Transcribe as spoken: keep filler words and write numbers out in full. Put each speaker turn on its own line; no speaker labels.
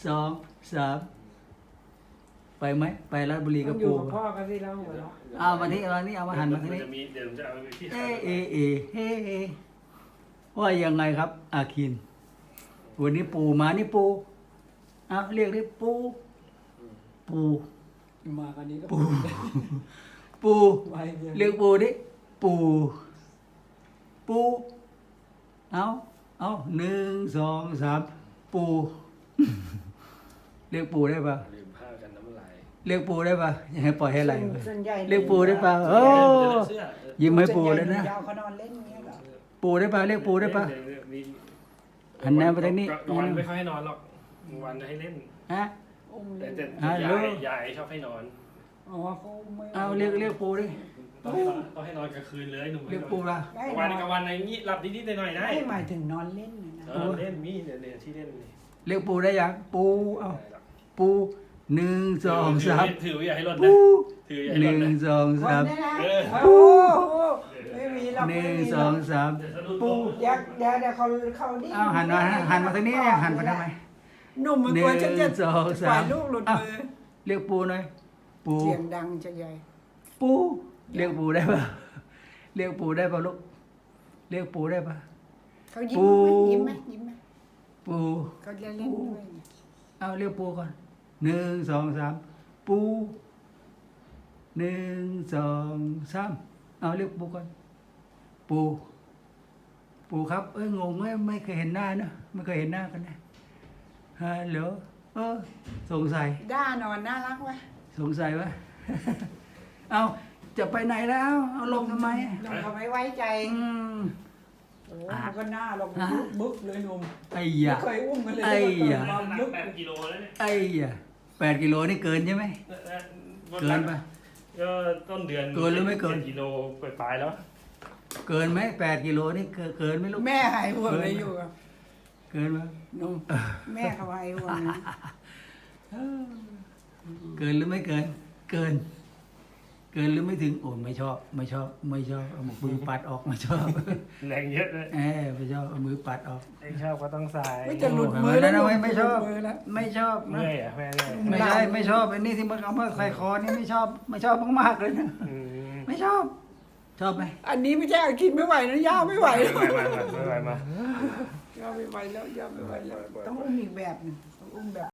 สองสามไปไหมไปราชบุรีกับ
อยู่
ปู่
กับพ่อกันสิแล้วหัวเราะ
เอามาที่เอานี้เอามาหันมาที่
มัน
นี้
จะมีเดี๋ยวผมจะเอาไปที่
เอเอเอเอเอว่ายังไงครับ อาคินวันนี้ปู่มานี่ปู่เอาเรียกดิปู่ปู่
มากันนี้ก็
ปู่ปู่
ไว้เนี่ย
เรียกปู่ดิปู่ปู่เอาเอาหนึ่งสองสามปู่เรียกปู่ได้ปะ
ลืมผ้ากันน้ำลาย
เรียกปู่ได้ปะยังไงปล่อยให้ไหลวะ
ส่วนใหญ่
เรียกปู่ได้ปะโอ้
เสื้อ
ยิ้มให้ปู่เลยนะ
ยาวเขานอนเล่นเงี้ยเหรอ
ปู่ได้ปะเรียกปู่ได้ปะ หันหน้าไปทางนี้
กลางวันไม่ค่อยให้นอนหรอกกลางวันจะให้เล่น
ฮะ
อุ้ม
แต่
เล่น
แต่
ฮัลโหล
ยายยายชอบให้นอน
อ๋อเขาไม่
เอาเรียกเรียกปู่ดิ
ต้องให้นอนต้องให้นอนกลางคืนเลยหนุ่ม
เรียกปู่ละ
ได้
กลาง
น
วัน
อน
กลางวันอะไรงี้หลับนิดๆหน่อยๆได้
ไม่หมายถึงนอนเล่นนะนะ
เออเล่นมีเนี่ยเนี่ยที่เล่นนี่
เรียกปู่ได้ยังปู่เอาปู่หนึ่งสองสาม
ถืออย่าให้หล่นนะ
ปู่
ถืออย่า
ห
ให้หล่
นึ่
น
ง
นะ
สอง
ค
สาน ม
ได้นะ
เออ
โอ้โหไม่มีหรอก
ห
ไม่
นึ่ง
มี
ส
หร
อ
อง ก
สาม
เดี๋ยวสะดุด
ปู่
เดี๋ยวเดี๋ยวเดี๋ยวเขาเขาดิ้
เอาหันมาหันมาทางนี้เนี่ยหันมาทำไม
หนุ่มมันกลัวฉันจะ
หนึ่งสองสาม
ฝ่ายลูกหลุดมือ
เรียกปู่หน่อยปู่
เสียงดังจะใหญ่
ปู่เรียกปู่ได้ปะเรียกปู่ได้ปะลูกเรียกปู่ได้ปะ
เขายิ้
ปู่
มไหมยิ้มไหมยิ้มไหม
ปู่
เขาจะเล่นด้วย
เอาเรียกปู่ก่อนหนึ่งสองสามปู่หนึ่งสองสามเอาเรียกปู่ก่อนปู่ปู่ครับเอ้ยงงไหมไม่เคยเห็นหน้านะไม่เคยเห็นหน้ากันนะฮัลโหลเออสงสัย
ด้านอนน่ารักวะ
สงสัยวะ เอาจะไปไหนแล้วเอาลงทำไม
ลงเขาไม่ไว้ใจ
อืม
โอ้มันก็หน้าลงบึกเลยหนุ่ม
ไอ้
ไม่
ยะ
เคยอุ้มกันเลย
ไอ้ยะ
มา
หนั
บึ
ก
ก
แปดกิโลแล้วเนี่ย
ไอ้ยะแปดกิโลนี่เกินใช่ไหมเกินปะ
ก็ต้นเดือน
เกินหรือไม่เกิน
จ็ดกิโลปลายๆแล้ว
เกินไหมแปดกิโลนี่เกินเกินไหมลูก
แม่หายห่วงเลยอยู่กับ
เกินปะ
หนุ่มแม่เขาหายห่วงนะ
เกินหรือไม่เกิน เกิน เกินหรือไม่ถึงโอ้ไม่ชอบ ไม่ชอบ ไม่ชอบเอามือปัดออกไม่ชอบ
แรงเยอะเลย
เออไม่ชอบเอามือปัดออก
ไอ้ชอบก็ต้องใส่
ไม่จะหลุดมือ
แล้
แล้ว ว
นะไม่ไม่ชอบ
มือแล้ว
ไม่ชอบนะ
เมื่อยอ่ะแม่เนี่ย
ไม่ใช่ไม่ชอบอันนี้ที่มันเอามาใส่คอนี่ไม่ชอบ ไม่ชอบมากๆเลยนะ
อืม
ไม่ชอบ ชอบไหม
อันนี้ไม่ใช่อากินไม่ไหวนะย่าไม่ไหวแล้ว
ไม่ไม่ไม่ไม่ไม่
ย่าไม่ไหวแล้วย่าไม่ไหวแล้วต้องอุ้มอีกแบบหนึงต้องอุ้มแบบ